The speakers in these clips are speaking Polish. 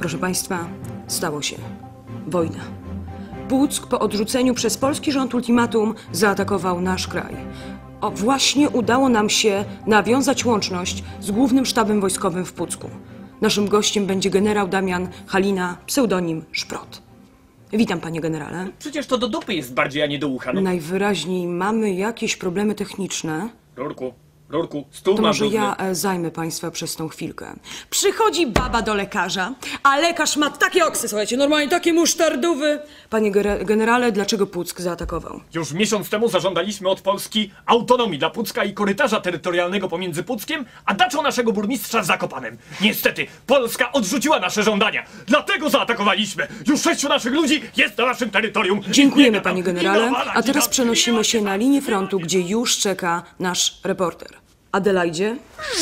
Proszę Państwa, stało się. Wojna. Puck po odrzuceniu przez polski rząd ultimatum zaatakował nasz kraj. Właśnie udało nam się nawiązać łączność z Głównym Sztabem Wojskowym w Pucku. Naszym gościem będzie generał Damian Halina, pseudonim Szprot. Witam, panie generale. Przecież to do dupy jest bardziej, a nie do ucha. No. Najwyraźniej mamy jakieś problemy techniczne. Rurku, stół To ma może brudny. ja zajmę państwa przez tą chwilkę. Przychodzi baba do lekarza, a lekarz ma takie oksy, słuchajcie, normalnie takie musztardowy. Panie generale, dlaczego Puck zaatakował? Już miesiąc temu zażądaliśmy od Polski autonomii dla Pucka i korytarza terytorialnego pomiędzy Puckiem a daczą naszego burmistrza Zakopanem. Niestety, Polska odrzuciła nasze żądania. Dlatego zaatakowaliśmy. Już 6 naszych ludzi jest na naszym terytorium. Dziękujemy, panie generale. A teraz przenosimy się na linię frontu, gdzie już czeka nasz reporter. Adelaidzie?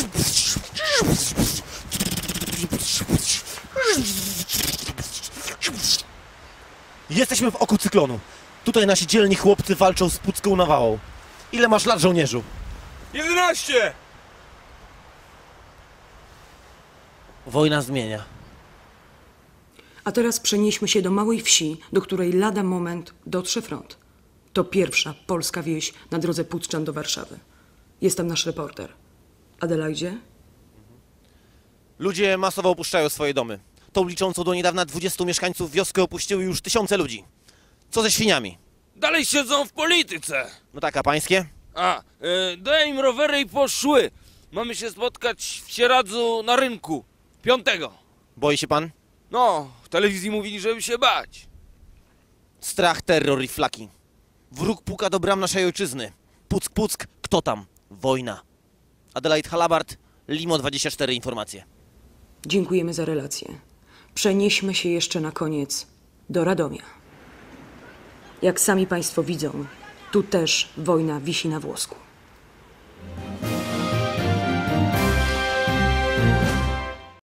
Jesteśmy w oku cyklonu. Tutaj nasi dzielni chłopcy walczą z pucką nawałą. Ile masz lat, żołnierzu? 11! Wojna zmienia. A teraz przenieśmy się do małej wsi, do której lada moment dotrze front. To pierwsza polska wieś na drodze Puczczan do Warszawy. Jest tam nasz reporter. Adelaidzie? Ludzie masowo opuszczają swoje domy. Tą liczącą do niedawna 20 mieszkańców wioskę opuściły już tysiące ludzi. Co ze świniami? Dalej siedzą w polityce. No tak, a pańskie? Daję im rowery i poszły. Mamy się spotkać w Sieradzu na rynku. 5. Boi się pan? No, w telewizji mówili, żeby się bać. Strach, terror i flaki. Wróg puka do bram naszej ojczyzny. Puck, Puck, kto tam? Wojna. Adelaide Halabart, Limo 24 informacje. Dziękujemy za relację. Przenieśmy się jeszcze na koniec do Radomia. Jak sami państwo widzą, tu też wojna wisi na włosku.